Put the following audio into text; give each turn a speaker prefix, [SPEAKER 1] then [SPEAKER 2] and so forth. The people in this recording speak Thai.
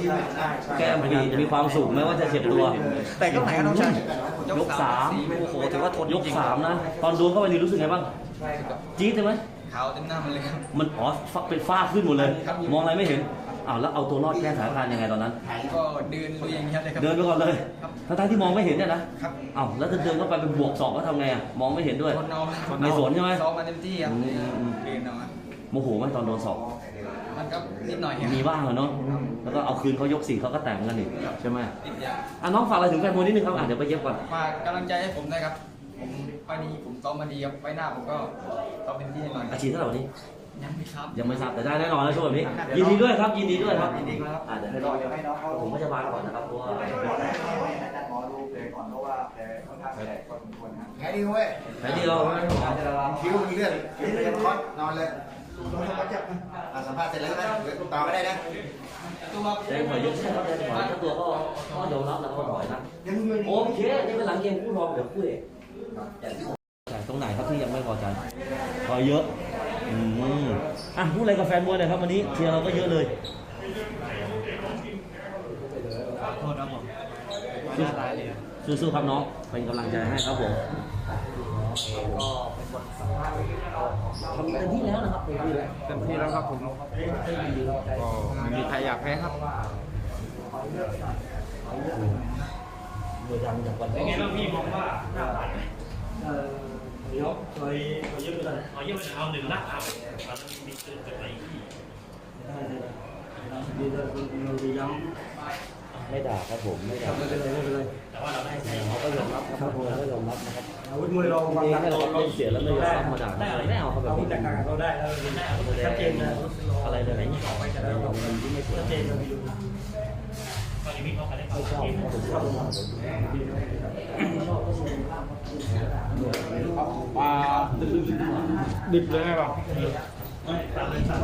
[SPEAKER 1] แก้มมีความสุขไหมว่าจะเจ็บตัว
[SPEAKER 2] แต่ยกไหนครับน้องชาย
[SPEAKER 1] ยกสาม
[SPEAKER 2] โอ้โหถือว่าทน
[SPEAKER 1] ยกสามนะตอนโดนเข้าไปนี่รู้สึกไงบ้างจี๊ดใช่ไหม
[SPEAKER 2] ขาวเต็มหน้ามันเลยครับ
[SPEAKER 1] มันเป็นฝ้าขึ้นหมดเลย
[SPEAKER 2] ครับ
[SPEAKER 1] มองอะไรไม่เห็นอ้าวแล้วเอาตัวรอดแก้สถานการณ์ยังไงตอนนั้น
[SPEAKER 2] ก็เดินลุยอย่างเงี้ยเลยครับ
[SPEAKER 1] เดินไปก่อนเลย
[SPEAKER 2] ครับ
[SPEAKER 1] ทั้งๆที่มองไม่เห็นเนี่ยนะครับ อ้าวแล้วจะเดินเข้าไปเป็นบวกสองก็ทำไงอ่ะมองไม่เห็นด้วย
[SPEAKER 2] คนเอา
[SPEAKER 1] ไม่สนใช่ไหม
[SPEAKER 2] ซ้อมมาเต็มที่ครับ
[SPEAKER 1] อืม
[SPEAKER 2] เดินเอาครับ
[SPEAKER 1] โมโหไหมตอนโดนสอบ
[SPEAKER 2] มันก็นิดหน่อยครับ
[SPEAKER 1] มีบ้างเหรอเนาะแล้วก็เอาคืนเขายกสี่เขาก็แต่งกันอีกใช่ไหม
[SPEAKER 2] นิดอย่าง
[SPEAKER 1] อ่ะน้องฝากอะไรถึงแฟนมวยนิดนึงครับเดี๋ยวไปเย็บก่อน
[SPEAKER 2] ฝากกำลังใจให้ผมด้วยครับผมไปนี้ผมซ้อมมาดีครับไปหน้าผมก็ซ้อมเป็นที่แน่นอน
[SPEAKER 1] อาชีพเท่าไหร่วันนี้
[SPEAKER 2] ยังไม่ครับ
[SPEAKER 1] ยังไม่ทราบแต่ได้แน่นอนแล้วช่วงแบบนี้ยินดีด้วยครับยินดีด้วยครับ
[SPEAKER 2] ยินดีครับ
[SPEAKER 1] เดี๋ยวให้น้องผมก็จะมาก่อนนะครับเพราะว่า
[SPEAKER 3] หมอดูแผลก่อนเพราะว่าแผลค่อนข้างแตกพอสมควรครับ
[SPEAKER 4] แค่นี้เว้ย
[SPEAKER 1] แค่นี้เรา
[SPEAKER 4] คิ้วมีเลือดคิ้วเป็นคอสนอนเลยสัมภาษณ์เสร็จแล้วใช่ไหมเดี๋ยวต่อไม่ได้นะ
[SPEAKER 1] แจ้งถอยยกใช่ครับแจ้งถอยเจ้าตัวก็ยอมรับแล้วก็ถอยนะโอเคนี่เป็นหลังเกมคู่รองเดี๋ยวคู่เอกแต่ตรงไหนครับที่ยังไม่พอใจถอยเยอะอ่ะพูดอะไรกับแฟนมวยหน่อยครับวันนี้เชียร์เราก็เยอะเลย
[SPEAKER 2] ขอโทษครับผม
[SPEAKER 1] สู้ๆครับน้องเป็นกำลังใจให้ครับผม
[SPEAKER 2] ก็เป็นบทสัมภาษณ์
[SPEAKER 1] ทำเต็มที่แล้วนะครับ
[SPEAKER 5] เต็มที่แล้วครับผมก็ไม่มีใครอยากแพ้ครับ
[SPEAKER 1] เมื่อยังจากวันนี้
[SPEAKER 6] ไงบ้างพี่มองว่าหน้าผ่านไหมเดี๋ยวเคยเยอะไปเลยเอาเยอะไปเอาหนึ่งละเอามันมีเกินจากไหนพี่
[SPEAKER 1] ไม่ด่าครับผมไม่ด่าไม่เป็นไร
[SPEAKER 6] แต่ว่าเราได้ใช้
[SPEAKER 1] เขาก็ยอมรับครับเขาก็ยอมรับนะครับ
[SPEAKER 3] อาวุธมวยเรา
[SPEAKER 1] จริงๆให้เราเล่นเสียแล้วไม่ยอมรับมาด่าไม่เอาเขาแบบนี้
[SPEAKER 3] เราได้เราได้อาวุธชัดเจนนะ
[SPEAKER 1] อะไรเลยไหนนี่ออกไปจะได้เราที่ไม่สวย
[SPEAKER 3] ชัดเจนเราดู
[SPEAKER 6] ตอนนี้มีเขาไปได้เขา
[SPEAKER 1] ไม่ชอบผมชอบ
[SPEAKER 5] ปลาดิบเลยไหมครับ
[SPEAKER 6] ไม่